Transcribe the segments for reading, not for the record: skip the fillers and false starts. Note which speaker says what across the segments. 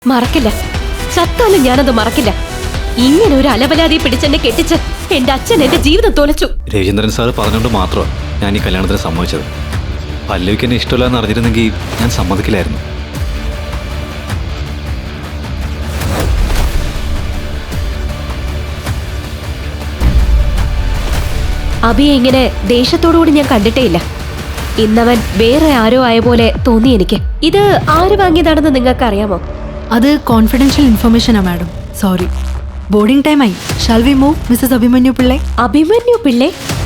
Speaker 1: മറക്കില്ല, ചത്താലും ഞാനത് മറക്കില്ല. ഇങ്ങനെ ഒരു അലവലാതി പിടിച്ചെന്നെ കെട്ടിച്ച് എന്റെ അച്ഛൻ എന്റെ ജീവിതം തോലച്ചു.
Speaker 2: രവീന്ദ്രൻ സാർ പറഞ്ഞുകൊണ്ട് മാത്രമാണ് ഞാൻ ഈ കല്യാണത്തിന് സമ്മതിച്ചത്. പല്ലവിക്ക് എന്നെ ഇഷ്ടമില്ല എന്ന് അറിഞ്ഞിരുന്നെങ്കിൽ ഞാൻ സമ്മതിക്കില്ലായിരുന്നു.
Speaker 1: അബിയെ ഇങ്ങനെ ദേഷ്യത്തോടുകൂടി ഞാൻ കണ്ടിട്ടേ ഇല്ല. ഇന്നവൻ വേറെ ആരോ ആയ പോലെ തോന്നി എനിക്ക്. ഇത് ആര് വാങ്ങിയതാണെന്ന് നിങ്ങൾക്ക് അറിയാമോ?
Speaker 3: അത് കോൺഫിഡൻഷ്യൽ ഇൻഫർമേഷനാ മാഡം. സോറി. ബോർഡിംഗ് ടൈം ആയി. Shall we move Mrs Abhimanyu Pillai?
Speaker 1: Abhimanyu Pillai?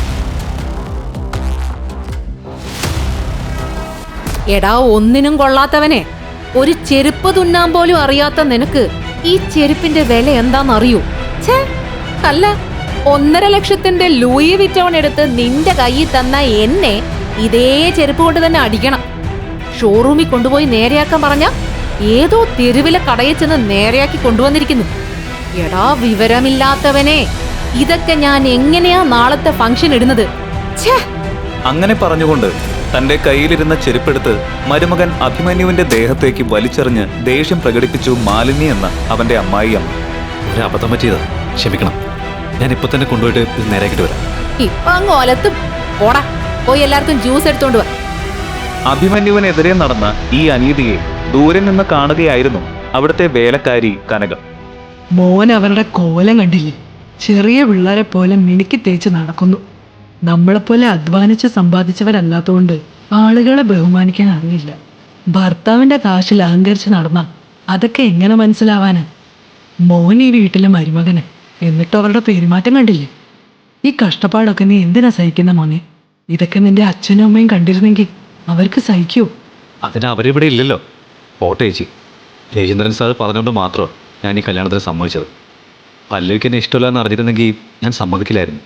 Speaker 4: എടാ, ഒന്നിനും കൊള്ളാത്തവനെ, ഒരു ചെരുപ്പ് തുന്നാൻ പോലും അറിയാത്ത നിനക്ക് ഈ ചെരുപ്പിന്റെ വില എന്താണെന്നറിയൂ? ഛേ, അല്ല, 1.5 ലക്ഷത്തിന്റെ ലൂയി വിറ്റോൺ എടുത്ത് നിന്റെ കയ്യിൽ തന്ന എന്നെ ഇതേ ചെരുപ്പ് കൊണ്ട് തന്നെ അടിക്കണം. ഷോറൂമിൽ കൊണ്ടുപോയി നേരെയാക്കാൻ പറഞ്ഞ ഏതോ തെരുവിലെ കടയിൽ ചെന്ന് നേരെയാക്കി കൊണ്ടുവന്നിരിക്കുന്നു. എടാ വിവരമില്ലാത്തവനെ, ഇതൊക്കെ ഞാൻ എങ്ങനെയാ നാളത്തെ ഫംഗ്ഷൻ ഇടുന്നത്? ഛേ!
Speaker 5: അങ്ങനെ പറഞ്ഞുകൊണ്ട് തന്റെ കയ്യിലിരുന്ന ചെരുപ്പെടുത്ത് മരുമകൻ അഭിമന്യുവിന്റെ ദേഹത്തേക്ക് വലിച്ചെറിഞ്ഞ് ദേഷ്യം പ്രകടിപ്പിച്ചു മാലിനി എന്ന അവന്റെ അമ്മായിയമ്മ.
Speaker 2: ഒരു അബദ്ധം പറ്റിയതാ, ക്ഷമിക്കണം. ഞാൻ ഇപ്പൊ തന്നെ കൊണ്ടുപോയിട്ട് ഇത് നേരെയാക്കിട്ട് വരാം.
Speaker 4: ഇപ്പൊ അങ്ങ് ഒലത്തും. ഓടാ, പോയി എല്ലാവർക്കും ജ്യൂസ് എടുത്തോണ്ട് വാ.
Speaker 5: അഭിമന്യുവിനെതിരെ നടന്ന ഈ അനീതിയെ ദൂരെ നിന്ന് കാണുകയായിരുന്നു അവിടുത്തെ വേലക്കാരി കനകം.
Speaker 3: മോൻ അവരുടെ കോലം കണ്ടില്ലേ? ചെറിയ പിള്ളേരെ പോലെ മിനുക്കി തേച്ച് നടക്കുന്നു. നമ്മളെപ്പോലെ അധ്വാനിച്ച് സമ്പാദിച്ചവരല്ലാത്തതുകൊണ്ട് ആളുകളെ ബഹുമാനിക്കാൻ അറിയില്ല. ഭർത്താവിന്റെ കാശിൽ അഹങ്കരിച്ച് നടന്ന അതൊക്കെ എങ്ങനെ മനസ്സിലാവാന്? മോൻ ഈ വീട്ടിലെ മരുമകന്, എന്നിട്ട് അവരുടെ പെരുമാറ്റം കണ്ടില്ലേ? ഈ കഷ്ടപ്പാടൊക്കെ നീ എന്തിനാ സഹിക്കുന്ന മോനെ? ഇതൊക്കെ നിന്റെ അച്ഛനും അമ്മയും കണ്ടിരുന്നെങ്കിൽ അവർക്ക് സഹിക്കൂ.
Speaker 2: അതിന് അവരിവിടെ ഇല്ലല്ലോ. പോട്ടെ ചേച്ചി, രവീന്ദ്രൻ സാർ പറഞ്ഞുകൊണ്ട് മാത്രമാണ് ഞാൻ ഈ കല്യാണത്തിന് സമ്മതിച്ചത്. പല്ലവിക്ക് എന്നെ ഇഷ്ടമില്ല എന്ന് അറിഞ്ഞിരുന്നെങ്കിൽ ഞാൻ സമ്മതിക്കില്ലായിരുന്നു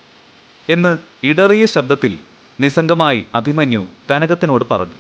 Speaker 5: എന്ന് ഇടറിയ ശബ്ദത്തിൽ നിസ്സംഗമായി അഭിമന്യു കനകത്തിനോട് പറഞ്ഞു.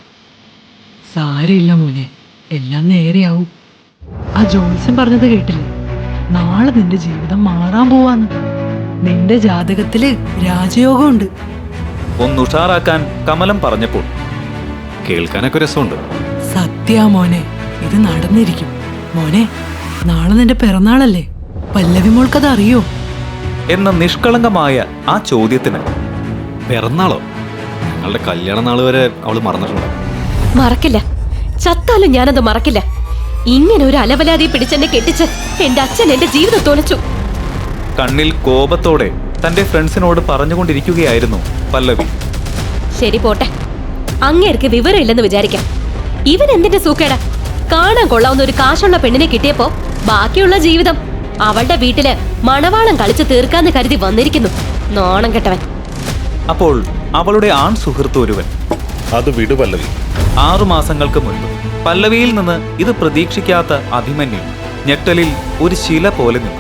Speaker 3: സാരമില്ല മോനെ, എല്ലാം നേരെയാവും. ആ ജോത്സ്യം പറഞ്ഞത് കേട്ടില്ലേ? നാളെ നിന്റെ ജീവിതം മാറാൻ പോവാന്ന്. നിന്റെ ജാതകത്തില് രാജയോഗമുണ്ട്.
Speaker 5: ഒന്നുഷാറാക്കാൻ കമലം പറഞ്ഞപ്പോൾ
Speaker 2: കേൾക്കാനൊക്കെ രസമുണ്ട്.
Speaker 3: സത്യാ മോനെ, ഇത് നടന്നിരിക്കും. മോനെ, നാളെ നിന്റെ പിറന്നാളല്ലേ? പല്ലവി മോൾക്കത് അറിയോ?
Speaker 5: എന്ന നിഷ്കളങ്കമായ ആ ചോദ്യത്തിന്
Speaker 2: പിറന്നാളോ? ഞങ്ങളുടെ കല്യാണ നാൾ വരെ അവള് മറന്നിട്ടുണ്ടോ?
Speaker 1: മറക്കില്ല, ചത്താലും ഞാനത് മറക്കില്ല. ഇങ്ങനെ ഒരു അലവലാതി പിടിച്ചെന്നെ കെട്ടിച്ച് എന്റെ അച്ഛൻ എന്റെ ജീവിതം തോലച്ചു.
Speaker 5: കണ്ണിൽ കോപത്തോടെ തന്റെ ഫ്രണ്ട്സിനോട് പറഞ്ഞുകൊണ്ടിരിക്കുകയായിരുന്നു പല്ലവി.
Speaker 1: ശരി, പോട്ടെ. അങ്ങേർക്ക് വിവരമില്ലെന്ന് വിചാരിക്കാം. ഇവൻ എന്തിന്റെ സൂക്കേടാ? കാണാൻ കൊള്ളാവുന്ന ഒരു കാശുള്ള പെണ്ണിനെ കിട്ടിയപ്പോ ബാക്കിയുള്ള ജീവിതം അവളുടെ വീട്ടില് മണവാളം കളിച്ച് തീർക്കാന്ന് കരുതി വന്നിരിക്കുന്നു. നോണം കെട്ടവൻ.
Speaker 5: അപ്പോൾ അവളുടെ ആൺ സുഹൃത്ത് ഒരുവൻ,
Speaker 6: അത് വിടു പല്ലവി.
Speaker 5: 6 മാസങ്ങൾക്ക് മുൻപ് പല്ലവിയിൽ നിന്ന് ഇത് പ്രതീക്ഷിക്കാത്ത അഭിമന്യു ഞെട്ടലിൽ ഒരു ശില പോലെ നിന്നു.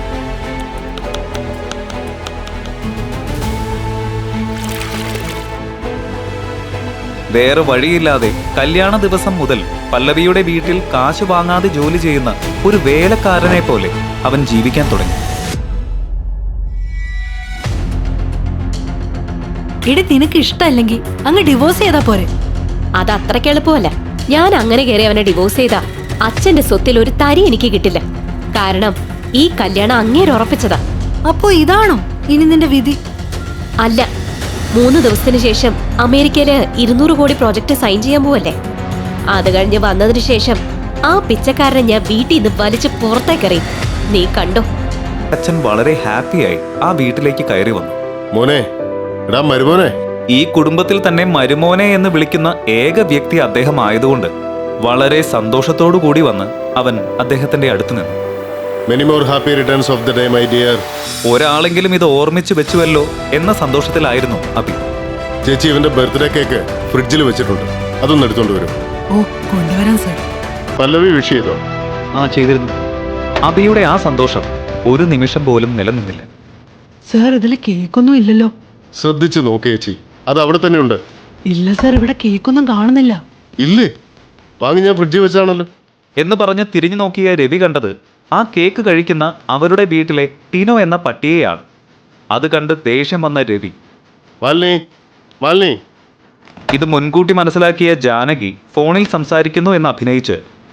Speaker 5: വേറെ വഴിയില്ലാതെ കല്യാണ ദിവസം മുതൽ പല്ലവിയുടെ വീട്ടിൽ കാശ് വാങ്ങാതെ ജോലി ചെയ്യുന്ന ഒരു വേലക്കാരനെ പോലെ അവൻ ജീവിക്കാൻ തുടങ്ങി.
Speaker 3: എടി, നിനക്ക് ഇഷ്ടമല്ലെങ്കിൽ അങ്ങ് ഡിവോഴ്സ് ചെയ്താ പോരെ?
Speaker 1: അത് അത്രയ്ക്ക് എളുപ്പമല്ല. ഞാൻ അങ്ങനെ കയറി അവനെ ഡിവോഴ്സ് ചെയ്താ അച്ഛന്റെ സ്വത്തിൽ ഒരു തരി എനിക്ക് കിട്ടില്ല. കാരണം ഈ കല്യാണം അങ്ങേര് ഉറപ്പിച്ചതാ.
Speaker 3: അപ്പോ ഇതാണോ ഇനി നിന്റെ വിധി?
Speaker 1: അല്ല, 3 ദിവസത്തിന് ശേഷം അമേരിക്കയില് 200 കോടി പ്രോജക്റ്റ് സൈൻ ചെയ്യാൻ പോവല്ലേ. അത് കഴിഞ്ഞ് വന്നതിന് ശേഷം ആ പിച്ചക്കാരനെ ഞാൻ വീട്ടിൽ നിന്ന് വലിച്ച് പുറത്തേക്കറി. നീ കണ്ടോ?
Speaker 5: അച്ഛൻ വളരെ ഹാപ്പിയായി ആ വീട്ടിലേക്ക് കയറി വന്നു.
Speaker 6: മോനെ, എടാ മരുമോനെ.
Speaker 5: ഈ കുടുംബത്തിൽ തന്നെ മരുമോനെ എന്ന് വിളിക്കുന്ന ഏക വ്യക്തി അദ്ദേഹം ആയതുകൊണ്ട് വളരെ സന്തോഷത്തോടു കൂടി വന്ന് അവൻ അദ്ദേഹത്തിന്റെ അടുത്ത് നിന്നു.
Speaker 6: Many more happy returns of the day my dear.
Speaker 5: ഒരാളെങ്കിലും ഇത് ഓർമ്മിച്ചു വെച്ചുവല്ലോ എന്ന സന്തോഷത്തിലായിരുന്നു അഭി.
Speaker 6: ചേച്ചി, ഇവന്റെ ബർത്ത്ഡേ കേക്ക് ഫ്രിഡ്ജിൽ വെച്ചിട്ടുണ്ട്, അതൊന്ന് എടുത്തോണ്ട് വരും.
Speaker 3: ഓ, കൊണ്ടുവരാൻ സാർ.
Speaker 6: പല്ലവി വിഷ് ചെയ്തോ?
Speaker 5: ചെയ്തിരുന്നു. അഭിയുടെ ആ സന്തോഷം ഒരു നിമിഷം പോലും നിലനിന്നില്ല.
Speaker 3: സാർ, ഇതിൽ കേക്കൊന്നും ഇല്ലല്ലോ.
Speaker 6: ശ്രദ്ധിച്ചു നോക്ക് ചേച്ചി, അത് അവിടെ തന്നെ ഉണ്ട്.
Speaker 3: ഇല്ല സാർ, ഇവിടെ കേക്കൊന്നും കാണുന്നില്ല.
Speaker 6: ഇല്ലേ? വാങ്ങി ഞാൻ ഫ്രിഡ്ജിൽ വെച്ചാണല്ലോ
Speaker 5: എന്ന് പറഞ്ഞ് തിരിഞ്ഞു നോക്കിയ രവി കണ്ടത് ആ കേക്ക് കഴിക്കുന്ന അവരുടെ വീട്ടിലെ ടിനോ എന്ന പട്ടിയെയാണ്. അത് കണ്ട് ദേഷ്യം വന്ന രവി,
Speaker 6: മാലിനി, മാലിനി.
Speaker 5: ഇത് മുൻകൂട്ടി മനസ്സിലാക്കിയ ജാനകി ഫോണിൽ സംസാരിക്കുന്നു എന്ന് അഭിനയിച്ച്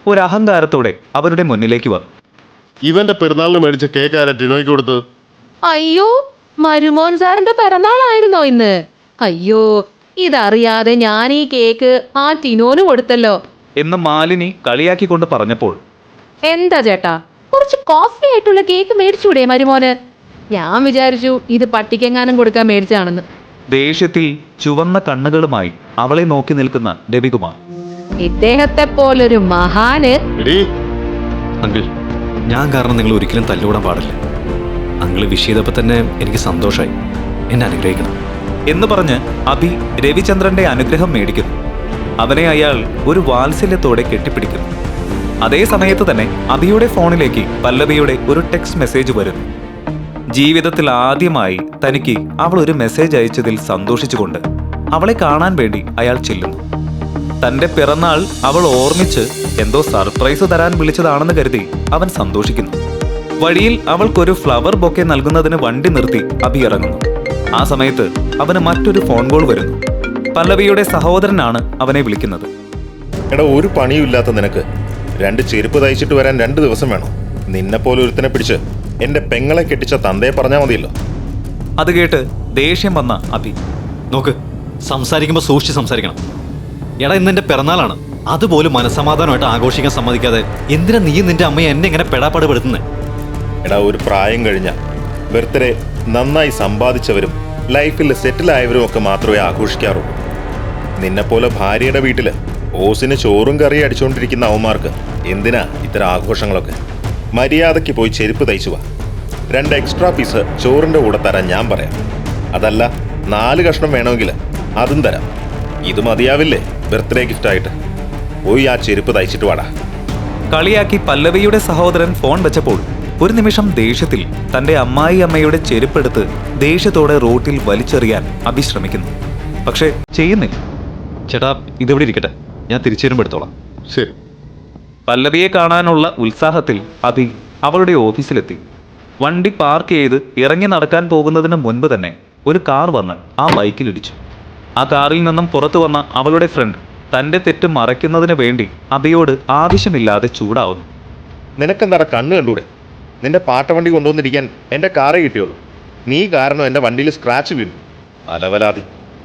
Speaker 5: ഒരു അഹങ്കാരത്തോടെ അവരുടെ മുന്നിലേക്ക് വന്നു.
Speaker 6: ഇവന്റെ പെരുന്നാളിന് മേടിച്ച കേക്ക് ആരാ ടിനോയ്ക്ക് കൊടുത്തത്?
Speaker 4: അയ്യോ, മരുമോൻ സാറിന്റെ പിറന്നാളായിരുന്നോ ഇന്ന്? അയ്യോ, ഇതറിയാതെ ഞാൻ ഈ കേക്ക് ആ ടിനോന് കൊടുത്തല്ലോ.
Speaker 5: എന്ന് മാലിനി കളിയാക്കിക്കൊണ്ട് പറഞ്ഞപ്പോൾ
Speaker 4: എന്താ ചേട്ടാ, കുറച്ച് കോസ്റ്റ്ലി ആയിട്ടുള്ള കേക്ക് മേടിച്ചൂടെ മരുമോന്? ഞാൻ വിചാരിച്ചു ഇത് പട്ടിക്കെങ്ങാനും കൊടുക്കാൻ മേടിച്ചാണെന്ന്.
Speaker 5: ദേഷ്യത്തിൽ ചുവന്ന കണ്ണുകളുമായി അവളെ നോക്കി നിൽക്കുന്ന രവികുമാർ.
Speaker 4: ഇദ്ദേഹത്തെ പോലൊരു മഹാന്.
Speaker 6: എടീ,
Speaker 2: അങ്കിൾ, ഞാൻ കാരണം നിങ്ങൾ ഒരിക്കലും തല്ലുകൂടാൻ പാടില്ല. അങ്കിൾ വിഷ് ചെയ്തപ്പോൾ തന്നെ എനിക്ക് സന്തോഷമായി. എന്നെ അനുഗ്രഹിക്കണം.
Speaker 5: എന്ന് പറഞ്ഞ് അഭി രവിചന്ദ്രന്റെ അനുഗ്രഹം മേടിക്കുന്നു. അവനെ അയാൾ ഒരു വാത്സല്യത്തോടെ കെട്ടിപ്പിടിക്കുന്നു. അതേ സമയത്ത് തന്നെ അഭിയുടെ ഫോണിലേക്ക് പല്ലവിയുടെ ഒരു ടെക്സ്റ്റ് മെസ്സേജ് വരുന്നു. ജീവിതത്തിൽ ആദ്യമായി തനിക്ക് അവൾ ഒരു മെസ്സേജ് അയച്ചതിൽ സന്തോഷിച്ചുകൊണ്ട് അവളെ കാണാൻ വേണ്ടി അയാൾ ചെല്ലുന്നു. തന്റെ പിറന്നാൾ അവൾ ഓർമ്മിച്ച് എന്തോ സർപ്രൈസ് തരാൻ വിളിച്ചതാണെന്ന് കരുതി അവൻ സന്തോഷിക്കുന്നു. വഴിയിൽ അവൾക്കൊരു ഫ്ലവർ ബൊക്കെ നൽകുന്നതിന് വണ്ടി നിർത്തി അഭി ഇറങ്ങുന്നു. ആ സമയത്ത് അവന് മറ്റൊരു ഫോൺ കോൾ വരുന്നു. പല്ലവിയുടെ സഹോദരനാണ് അവനെ വിളിക്കുന്നത്.
Speaker 7: എടാ, ഒരു പണിയുമില്ലാത്ത നിനക്ക് 2 ചെരുപ്പ് തയ്ച്ചിട്ട് വരാൻ 2 ദിവസം വേണം. നിന്നെപ്പോലെ ഒരുത്തനെ പിടിച്ച് എന്റെ പെങ്ങളെ കെട്ടിച്ച തന്തയെ പറഞ്ഞാൽ മതിയല്ലോ.
Speaker 5: അത് കേട്ട് ദേഷ്യം വന്ന അഭി,
Speaker 2: നോക്ക്, സംസാരിക്കുമ്പോൾ സൂക്ഷിച്ച് സംസാരിക്കണം. എടാ, ഇന്ന് എൻ്റെ പിറന്നാളാണ്. അതുപോലും മനസ്സമാധാനമായിട്ട് ആഘോഷിക്കാൻ സമ്മതിക്കാതെ എന്തിനാ നീ നിന്റെ അമ്മയെ എന്നെ ഇങ്ങനെ പെടാപ്പാടുപെടുത്തുന്നത്?
Speaker 7: എടാ, ഒരു പ്രായം കഴിഞ്ഞ ബർത്ത്ഡേ നന്നായി സമ്പാദിച്ചവരും ലൈഫിൽ സെറ്റിലായവരും ഒക്കെ മാത്രമേ ആഘോഷിക്കാറുള്ളൂ. നിന്നെപ്പോലെ ഭാര്യയുടെ വീട്ടിൽ ഓസിന് ചോറും കറിയും അടിച്ചുകൊണ്ടിരിക്കുന്ന അവന്മാർക്ക് എന്തിനാ ഇത്തരം ആഘോഷങ്ങളൊക്കെ? മര്യാദയ്ക്ക് പോയി ചെരുപ്പ് തയ്ച്ചു വാ. 2 എക്സ്ട്രാ പീസ് ചോറിൻ്റെ കൂടെ തരാൻ ഞാൻ പറയാം. അതല്ല 4 കഷ്ണം വേണമെങ്കിൽ അതും തരാം. ഇത് മതിയാവില്ലേ ബർത്ത്ഡേ ഗിഫ്റ്റായിട്ട്? പോയി ആ ചെരുപ്പ് തയ്ച്ചിട്ട് വാടാ.
Speaker 5: കളിയാക്കി പല്ലവിയുടെ സഹോദരൻ ഫോൺ വെച്ചപ്പോൾ ഒരു നിമിഷം ദേഷ്യത്തിൽ തന്റെ അമ്മായിയമ്മയുടെ ചെരുപ്പെടുത്ത് ദേഷ്യത്തോടെ റോട്ടിൽ വലിച്ചെറിയാൻ അഭി ശ്രമിക്കുന്നു. പക്ഷേ ചെയ്യുന്നില്ല.
Speaker 2: ചേട്ടാ, ഇതെവിടെ ഇരിക്കട്ടെ, ഞാൻ തിരിച്ചു വരുമ്പോൾ എടുത്തോളാം.
Speaker 6: ശരി.
Speaker 5: പല്ലവിയെ കാണാനുള്ള ഉത്സാഹത്തിൽ അഭി അവളുടെ ഓഫീസിലെത്തി. വണ്ടി പാർക്ക് ചെയ്ത് ഇറങ്ങി നടക്കാൻ പോകുന്നതിന് മുൻപ് തന്നെ ഒരു കാർ വന്ന് ആ ബൈക്കിലിടിച്ചു. ആ കാറിൽ നിന്നും പുറത്തു വന്ന അവളുടെ ഫ്രണ്ട് തന്റെ തെറ്റ് മറയ്ക്കുന്നതിന് വേണ്ടി അഭിയോട് ആവശ്യമില്ലാതെ ചൂടാവുന്നു.
Speaker 7: നിനക്കെന്താടാ കണ്ണ് കണ്ടൂടെ? നിന്റെ പാട്ടവണ്ടി കൊണ്ടുവന്നിരിക്കാൻ എൻ്റെ കാറേ കിട്ടിയുള്ളൂ. നീ കാരണം എൻ്റെ വണ്ടിയിൽ സ്ക്രാച്ച് വീണു. അലവലാതി.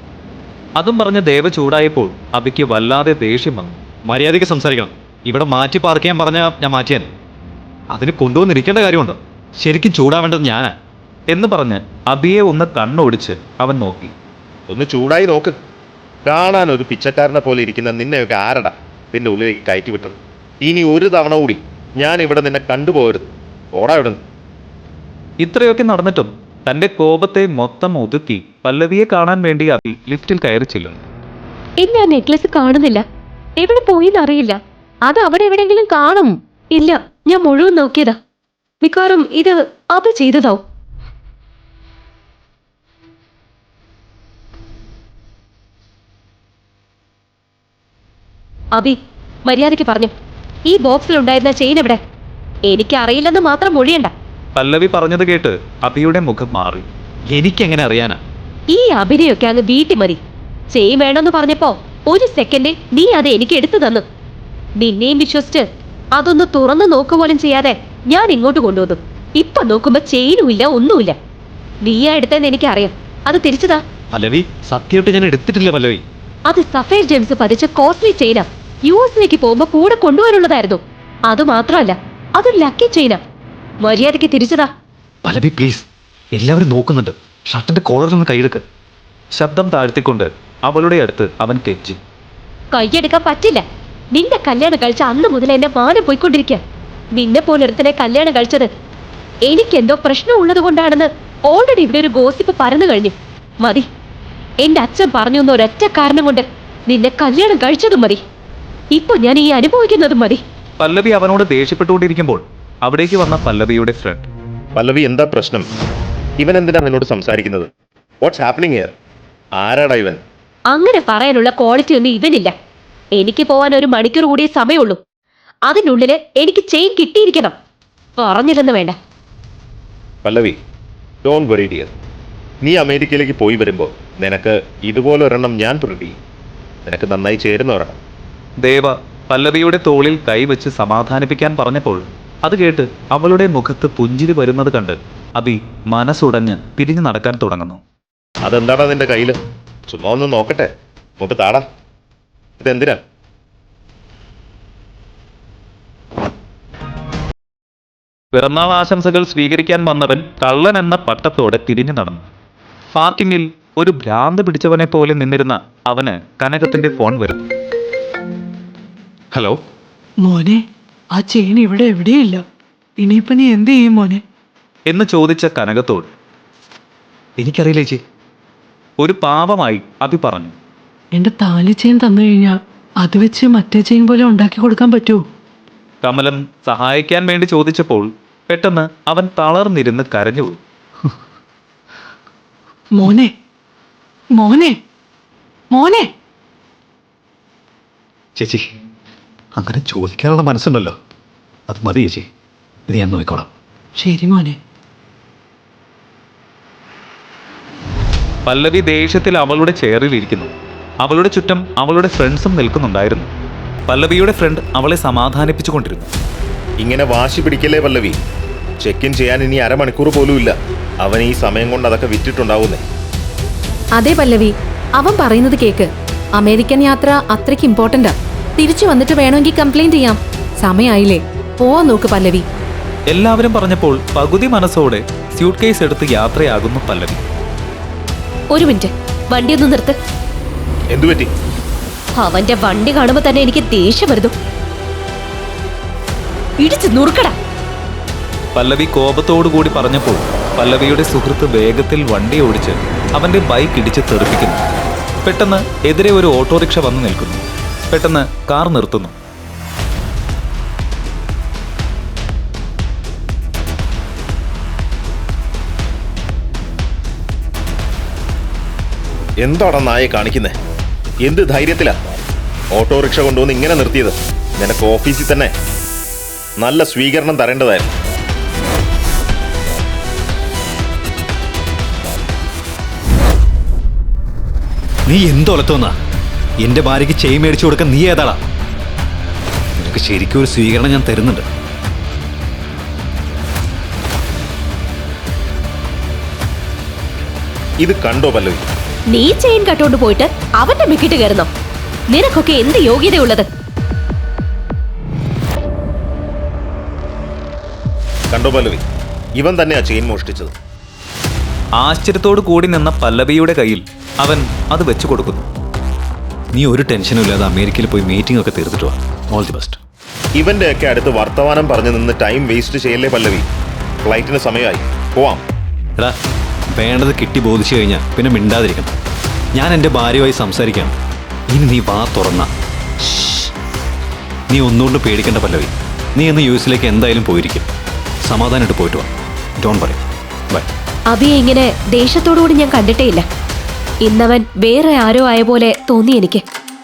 Speaker 5: അതും പറഞ്ഞ് ദേവ ചൂടായപ്പോൾ അഭിക്ക് വല്ലാതെ ദേഷ്യം വന്നു.
Speaker 2: മര്യാദയ്ക്ക് സംസാരിക്കണം. ഇവിടെ മാറ്റി പാർക്ക് ചെയ്യാൻ പറഞ്ഞാൽ ഞാൻ മാറ്റിയാൻ. അതിന് കൊണ്ടുവന്നിരിക്കേണ്ട കാര്യമുണ്ടോ? ശരിക്കും ചൂടാവേണ്ടത് ഞാനാ
Speaker 5: എന്ന് പറഞ്ഞ് അഭിയെ ഒന്ന് കണ്ണോടിച്ച് അവൻ നോക്കി.
Speaker 7: ഒന്ന് ചൂടായി നോക്ക്. കാണാൻ ഒരു പിച്ചക്കാരനെ പോലെ ഇരിക്കുന്ന നിന്നെയൊക്കെ ആരടാ നിന്റെ ഉള്ളിലേക്ക് കയറ്റി വിട്ടത്? ഇനി ഒരു തവണ കൂടി ഞാൻ ഇവിടെ നിന്നെ കണ്ടുപോകരുത്. ഓടാ ഇവിടെ.
Speaker 5: ഇത്രയൊക്കെ നടന്നിട്ടും തന്റെ കോപത്തെ മൊത്തം ഒതുക്കി പല്ലവിയെ കാണാൻ വേണ്ടി അഭി ലിഫ്റ്റിൽ കയറി ചെല്ലുന്നു.
Speaker 1: ഇല്ല, നെക്ലസ് കാണുന്നില്ല. എവിടെ പോയിന്നറിയില്ല.
Speaker 4: അത് അവിടെ എവിടെയെങ്കിലും കാണും.
Speaker 1: ഇല്ല, ഞാൻ മുഴുവൻ നോക്കിയതാ. മിക്കവാറും ഇത് അത് ചെയ്തതാവും. അഭി, മര്യാദയ്ക്ക് പറഞ്ഞു, ഈ ബോക്സിലുണ്ടായിരുന്ന ചെയിൻ എവിടെ? എനിക്കറിയില്ലെന്ന് മാത്രം മൊഴിയണ്ട.
Speaker 5: പല്ലവി പറഞ്ഞത് കേട്ട് അഭിയുടെ മുഖം മാറി.
Speaker 2: എനിക്കെങ്ങനെ അറിയാനാ?
Speaker 1: ഈ അഭിനയൊക്കെ അങ്ങ് വീട്ടിൽ മതി. ചെയിൻ വേണമെന്ന് പറഞ്ഞപ്പോ 1 സെക്കൻഡിൽ നീ അത് എനിക്ക് എടുത്തു തന്നു. നിന്നെയും വിശ്വസിച്ച് അതൊന്ന് തുറന്നു നോക്കുപോലും ചെയ്യാതെ ഞാൻ ഇങ്ങോട്ട് കൊണ്ടുവന്നു. ഇപ്പൊ നോക്കുമ്പോ ചെയിനും ഇല്ല, ഒന്നുമില്ല. നീയാ എടുത്തെന്ന് എനിക്കറിയാം. അത് തിരിച്ചതാ.
Speaker 2: പല്ലവി, സത്യമായിട്ട് ഞാൻ എടുത്തിട്ടില്ല പല്ലവി.
Speaker 1: അത് സഫേർ ജെയിംസ് പതിച്ച കോസ്റ്റ്ലി ചെയിനാ. US പോകുമ്പോ കൂടെ കൊണ്ടുവരാനുള്ളതായിരുന്നു. അത് മാത്രമല്ല, അതൊരു ലക്കി ചെയിനാ. മര്യാദയ്ക്ക് തിരിച്ചതാ.
Speaker 2: പല്ലവി പ്ലീസ്, എല്ലാവരും നോക്കുന്നുണ്ട്. ഷർട്ടിന്റെ കോളറിൽ നിന്ന് കൈയെടുക്ക്.
Speaker 5: ശബ്ദം താഴ്ത്തിക്കൊണ്ട് അവളുടെ അടുത്ത് അവൻ കെഞ്ചി.
Speaker 1: കൈയെടുക്കാൻ പറ്റില്ല. നിന്റെ കല്യാണം കഴിച്ച അന്ന് മുതൽ എന്റെ മാനം പോയിക്കൊണ്ടിരിക്കുക. നിന്നെ പോലൊരുത്തനെ കല്യാണം കഴിച്ചത് എനിക്കെന്തോ പ്രശ്നമുള്ളത് കൊണ്ടാണെന്ന് ഓൾറെഡി ഇവിടെ ഒരു ഗോസിപ്പ് പരന്നു കഴിഞ്ഞു. മതി. എന്റെ അച്ഛൻ പറഞ്ഞു എന്ന ഒരൊറ്റ കാരണം കൊണ്ട് നിന്നെ കല്യാണം കഴിച്ചതും മതി. ഇപ്പൊ ഞാൻ ഈ അനുഭവിക്കുന്നതും മതി.
Speaker 5: പല്ലവി അവനോട് ദേഷ്യപ്പെട്ടുകൊണ്ടിരിക്കുമ്പോൾ അവിടേക്ക് വന്ന പല്ലവിയുടെ ഫ്രണ്ട്.
Speaker 7: പല്ലവി, എന്താ പ്രശ്നം? ഇവൻ എന്തിനാ നിന്നോട് സംസാരിക്കുന്നത്? What's happening here? ആരാടാ ഇവൻ?
Speaker 1: അങ്ങനെ പറയാനുള്ള ക്വാളിറ്റി ഒന്നും ഇവനില്ല. എനിക്ക് പോവാൻ 1 മണിക്കൂർ കൂടിയേ സമയമുള്ളൂ. അതിനുള്ളില് എനിക്ക് ചെയിൻ കിട്ടിയിരിക്കണം. പറഞ്ഞില്ലെന്ന് വേണ്ട.
Speaker 7: Pallavi, don't worry dear. നീ അമേരിക്കയിലേക്ക് പോയി വരുമ്പോൾ നിനക്ക് ഇതുപോലെ ഒരെണ്ണം ഞാൻ പ്രിന്റ് ചെയ്യും. നിനക്ക് നന്നായി ചേരുന്ന ഒരെണ്ണം.
Speaker 5: ദേവ പല്ലവിയുടെ തോളിൽ കൈവച്ച് സമാധാനിപ്പിക്കാൻ പറഞ്ഞപ്പോൾ അത് കേട്ട് അവളുടെ മുഖത്ത് പുഞ്ചിരി വരുന്നത് കണ്ട് അബി മനസ്സുടഞ്ഞ് പിരിഞ്ഞു നടക്കാൻ തുടങ്ങുന്നു.
Speaker 7: അതെന്താടാ നിന്റെ കയ്യില്? ചുമ്മാ ഒന്ന് നോക്കട്ടെ. നമുക്ക് താടാ. ഇതെന്തിനാ?
Speaker 5: പിറന്നാൾ ആശംസകൾ സ്വീകരിക്കാൻ വന്നവൻ കള്ളൻ എന്ന പട്ടത്തോടെ തിരിഞ്ഞു നടന്നു. പാർക്കിങ്ങിൽ ഒരു ഭ്രാന്ത് പിടിച്ചവനെ പോലെ നിന്നിരുന്ന അവന് കനകത്തിന്റെ ഫോൺ വരും.
Speaker 2: ഹലോ.
Speaker 3: മോനെ, ആ ചെയിൻ ഇവിടെ എവിടെയില്ല. ഇനിയിപ്പോ നീ എന്ത് ചെയ്യും മോനെ?
Speaker 5: എന്ന് ചോദിച്ച കനകത്തോട്
Speaker 2: എനിക്കറിയില്ല ചേച്ചി.
Speaker 5: ഒരു പാവമായി അബി പറഞ്ഞു.
Speaker 3: എന്റെ താലി ചെയിൻ തന്നു കഴിഞ്ഞാൽ അത് വെച്ച് മറ്റേ ചെയിൻ പോലെ ഉണ്ടാക്കി കൊടുക്കാൻ പറ്റുമോ?
Speaker 5: കമലം സഹായിക്കാൻ വേണ്ടി ചോദിച്ചപ്പോൾ പെട്ടെന്ന് അവൻ തളർന്നിരുന്ന് കരഞ്ഞുപോയി.
Speaker 3: മോനെ, മോനെ, മോനെ.
Speaker 2: ചേച്ചി, അങ്ങനെ ചോദിക്കാനുള്ള മനസ്സുണ്ടല്ലോ, അത് മതി ചേച്ചി. ഇത് ഞാൻ നോക്കിക്കോളാം.
Speaker 3: ശരി മോനെ.
Speaker 5: പല്ലവി ദേഷ്യത്തിൽ അവളുടെ ചെയറിൽ ഇരിക്കുന്നു. അവളുടെ ചുറ്റും അവളുടെ ഫ്രണ്ട്സും നിൽക്കുന്നുണ്ടായിരുന്നു. പല്ലവിയുടെ ഫ്രണ്ട് അവളെ സമാധാനിപ്പിച്ചുകൊണ്ടിരുന്നു.
Speaker 7: ഇങ്ങനെ വാശി പിടിക്കല്ലേ പല്ലവി. ചെക്ക് ഇൻ ചെയ്യാൻ ഇനി അരമണിക്കൂർ പോലും ഇല്ല. അവൻ ഈ സമയം കൊണ്ട് അതൊക്കെ വിറ്റിട്ടുണ്ടാവുന്നേ.
Speaker 4: അതെ പല്ലവി, അവൻ പറയുന്നത് കേക്ക്. അമേരിക്കൻ യാത്ര അത്രയ്ക്ക് ഇമ്പോർട്ടന്റാ. തിരിച്ചു വന്നിട്ട് വേണമെങ്കിൽ കംപ്ലൈന്റ് ചെയ്യാം. സമയായില്ലേ, പോവാൻ നോക്ക് പല്ലവി.
Speaker 5: എല്ലാവരും പറഞ്ഞപ്പോൾ പകുതി മനസ്സോടെ സ്യൂട്ട് കേസ് എടുത്ത് യാത്രയാകുന്നു പല്ലവി.
Speaker 1: ഒരു മിനിറ്റ്, വണ്ടി ഒന്ന് നിർത്ത്.
Speaker 7: എന്തുപറ്റി?
Speaker 1: അവന്റെ വണ്ടി കാണുമ്പോ തന്നെ എനിക്ക് ദേഷ്യം വരുന്നു. ഇടിച്ച് നുറുക്കടാ.
Speaker 5: പല്ലവി കോപത്തോടുകൂടി പറഞ്ഞപ്പോൾ പല്ലവിയുടെ സുഹൃത്ത് വേഗത്തിൽ വണ്ടി ഓടിച്ച് അവന്റെ ബൈക്ക് ഇടിച്ച് തെറിപ്പിക്കുന്നു. പെട്ടെന്ന് എതിരെ ഒരു ഓട്ടോറിക്ഷ വന്ന് നിൽക്കുന്നു. പെട്ടെന്ന് കാർ നിർത്തുന്നു.
Speaker 7: എന്താടാ നായെ കാണിക്കുന്നേ? എന്ത് ധൈര്യത്തിലാ ഓട്ടോറിക്ഷ കൊണ്ടുവന്ന് ഇങ്ങനെ നിർത്തിയത്? നിനക്ക് ഓഫീസിൽ തന്നെ നല്ല സ്വീകരണം തരേണ്ടതായിരുന്നു.
Speaker 2: നീ എന്തൊലത്തോന്നാ? എന്റെ ഭാര്യയ്ക്ക് ചെയിൻ മേടിച്ചു കൊടുക്കാൻ നീ ഏതാടാ? നിനക്ക് ശരിക്കും ഒരു സ്വീകരണം ഞാൻ തരുന്നുണ്ട്.
Speaker 7: ഇത് കണ്ടോ പല്ലവി?
Speaker 1: നീ ചെയിൻ കട്ടോണ്ട് പോയിട്ട് അവന്റെ മിക്കിട്ട് കയറുന്നോ? നിനക്കൊക്കെ എന്ത് യോഗ്യതയുള്ളത്?
Speaker 7: കണ്ടോ പല്ലവി? ഇവൻ തന്നെയാ ചെയിൻ മോഷ്ടിച്ചത്.
Speaker 5: ആശ്ചര്യത്തോടു കൂടി നിന്ന പല്ലവിയുടെ കയ്യിൽ അവൻ അത് വെച്ചു കൊടുക്കുന്നു.
Speaker 2: നീ ഒരു ടെൻഷനും ഇല്ലാതെ അമേരിക്കയിൽ പോയി മീറ്റിംഗ് ഒക്കെ തീർത്തിട്ട് വാ. All the best.
Speaker 7: ഇവന്റെ ഒക്കെ അടുത്ത് വർത്തമാനം പറഞ്ഞു നിന്ന് ടൈം വേസ്റ്റ് ചെയ്യല്ലേ പല്ലവി. ഫ്ലൈറ്റിന് സമയമായി, പോവാം.
Speaker 2: എടാ, വേണ്ടത് കിട്ടി ബോധിച്ചു കഴിഞ്ഞാൽ പിന്നെ മിണ്ടാതിരിക്കണം. ഞാൻ എൻ്റെ ഭാര്യയുമായി സംസാരിക്കാം. ഇനി നീ വാ തുറന്ന. നീ ഒന്നുകൊണ്ട് പേടിക്കേണ്ട പല്ലവി. നീ ഇന്ന് യു എസിലേക്ക് എന്തായാലും പോയിരിക്കും. സമാധാനമായിട്ട് പോയിട്ട് വാ. ഡോൺ പറയും. ബൈ.
Speaker 1: അബിയെ ഇങ്ങനെ ദേഷ്യത്തോടുകൂടി ഞാൻ കണ്ടിട്ടേ ഇല്ല. ഇന്നവൻ വേറെ ആരോ ആയ പോലെ തോന്നി എനിക്ക്.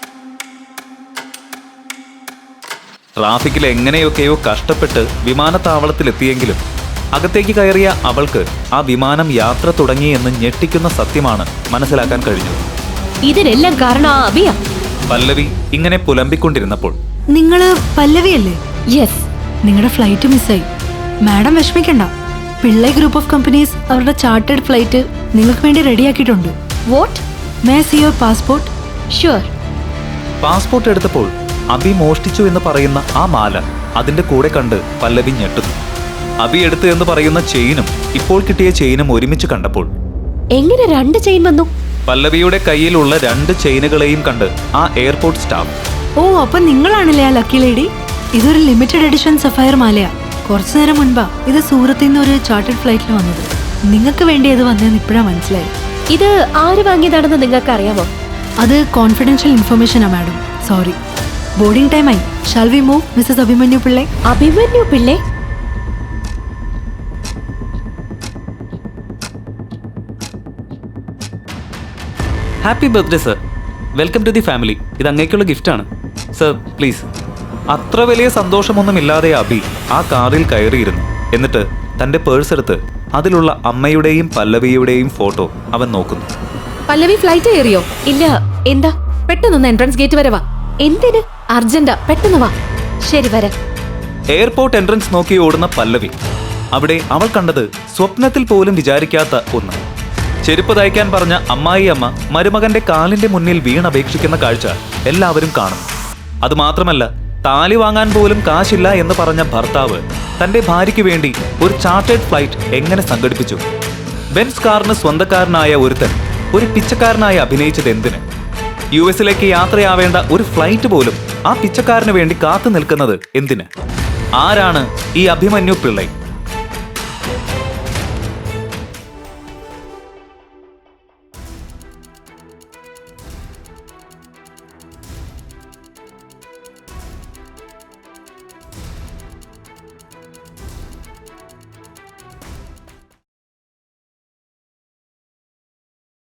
Speaker 5: ട്രാഫിക്കിൽ എങ്ങനെയൊക്കെയോ കഷ്ടപ്പെട്ട് വിമാനത്താവളത്തിലെത്തിയെങ്കിലും അകത്തേക്ക് കയറിയ അവൾക്ക് ആ വിമാനം യാത്ര തുടങ്ങിയെന്ന് ഞെട്ടിക്കുന്ന സത്യമാണ് മനസ്സിലാക്കാൻ കഴിഞ്ഞത്.
Speaker 1: ഇതിനെല്ലാം കാരണം ആ അബിയ.
Speaker 5: പല്ലവി ഇങ്ങനെ പുലമ്പിക്കൊണ്ടിരുന്നപ്പോൾ
Speaker 8: നിങ്ങള് പല്ലവിയല്ലേ?
Speaker 1: യെസ്.
Speaker 8: നിങ്ങളുടെ ഫ്ലൈറ്റ് മിസ്സായി. മാഡം വിഷമിക്കണ്ട. പിള്ളൈ ഗ്രൂപ്പ് ഓഫ് കമ്പനീസ് അവരുടെ ചാർട്ടേഡ് ഫ്ലൈറ്റ് നിങ്ങൾക്ക് വേണ്ടി റെഡിയാക്കിയിട്ടുണ്ട്.
Speaker 1: What?
Speaker 8: May see your passport?
Speaker 1: Sure.
Speaker 5: Passport എടുത്തപ്പോൾ അബി മോഷ്ടിച്ചു എന്ന് പറയുന്ന ആ മാല അതിന്റെ കൂടെ കണ്ട് പല്ലവി ഞെട്ടുന്നു. അബി എടുത്തു എന്ന് പറയുന്ന ചെയിനും ഇപ്പോൾ കിട്ടിയ ചെയിനും ഒരുമിച്ച് കണ്ടപ്പോൾ
Speaker 1: എങ്ങനെ രണ്ട് ചെയിൻ വന്നു?
Speaker 5: പല്ലവിയുടെ കയ്യിലുള്ള 2 ചെയിനുകളെയും കണ്ട് ആ എയർപോർട്ട് സ്റ്റാഫ്.
Speaker 8: ഓ, അപ്പൊ നിങ്ങളാണല്ലേ ആ ലക്കി ലേഡി? ഇതൊരു ലിമിറ്റഡ് എഡിഷൻ സഫയർ മാലയാ. കുറച്ചു നേരം മുൻപാ ഇത് സൂറത്തിൽ നിന്ന് ഒരു ചാർട്ടേഡ് ഫ്ലൈറ്റിൽ വന്നത്. നിങ്ങൾക്ക് വേണ്ടി അത് വന്നതെന്ന് ഇപ്പോഴാ മനസ്സിലായി.
Speaker 1: ഇത് ആര് വാങ്ങിയതാണെന്ന് നിങ്ങൾക്ക് അറിയാമോ?
Speaker 8: അത് കോൺഫിഡൻഷ്യൽ ഇൻഫർമേഷനാ മാഡം. സോറി. ബോർഡിംഗ് ടൈം ആയി. Shall we move Mrs Abhimanyu Pillai?
Speaker 1: Abhimanyu Pillai?
Speaker 5: Happy birthday sir. Welcome to the family. ഇത് അങ്ങേക്കുള്ള ഗിഫ്റ്റാണ് സർ, പ്ലീസ്. അത്ര വലിയ സന്തോഷമൊന്നുമില്ലാതെ അബി ആ കാറിൽ കയറിയിരുന്നു. എന്നിട്ട് തന്റെ പേഴ്സ് എടുത്ത് അതിലുള്ള അമ്മയുടെയും പല്ലവിയുടെയും ഫോട്ടോ അവൻ നോക്കുന്നു.
Speaker 4: പല്ലവി ഫ്ലൈറ്റ് കയറിയോ?
Speaker 1: ഇല്ല. എന്താ?
Speaker 4: പെട്ടെന്നൊന്ന് എൻട്രൻസ് ഗേറ്റ് വരെ വാ.
Speaker 1: എന്തിന്?
Speaker 4: അർജന്റാ, പെട്ടെന്ന് വാ.
Speaker 1: ശരി വരാം.
Speaker 5: എയർപോർട്ട് എൻട്രൻസ് നോക്കി ഓടുന്ന പല്ലവി. അവിടെ അവൾ കണ്ടത് സ്വപ്നത്തിൽ പോലും വിചാരിക്കാത്ത ഒന്ന്. ചെരുപ്പ് തയ്ക്കാൻ പറഞ്ഞ അമ്മായിയമ്മ മരുമകന്റെ കാലിന്റെ മുന്നിൽ വീണപേക്ഷിക്കുന്ന കാഴ്ച എല്ലാവരും കാണും. അതുമാത്രമല്ല, താലി വാങ്ങാൻ പോലും കാശില്ല എന്ന് പറഞ്ഞ ഭർത്താവ് തന്റെ ഭാര്യയ്ക്ക് വേണ്ടി ഒരു ചാർട്ടേഡ് ഫ്ലൈറ്റ് എങ്ങനെ സംഘടിപ്പിച്ചു? ബെൻസ് കാറിന് സ്വന്തക്കാരനായ ഒരുത്തൻ ഒരു പിച്ചക്കാരനായി അഭിനയിച്ചത് എന്തിന്? US-ലേക്ക് യാത്രയാവേണ്ട ഒരു ഫ്ലൈറ്റ് പോലും ആ പിച്ചക്കാരന് വേണ്ടി കാത്തു നിൽക്കുന്നത് എന്തിന്? ആരാണ് ഈ അഭിമന്യു പിള്ളൈ?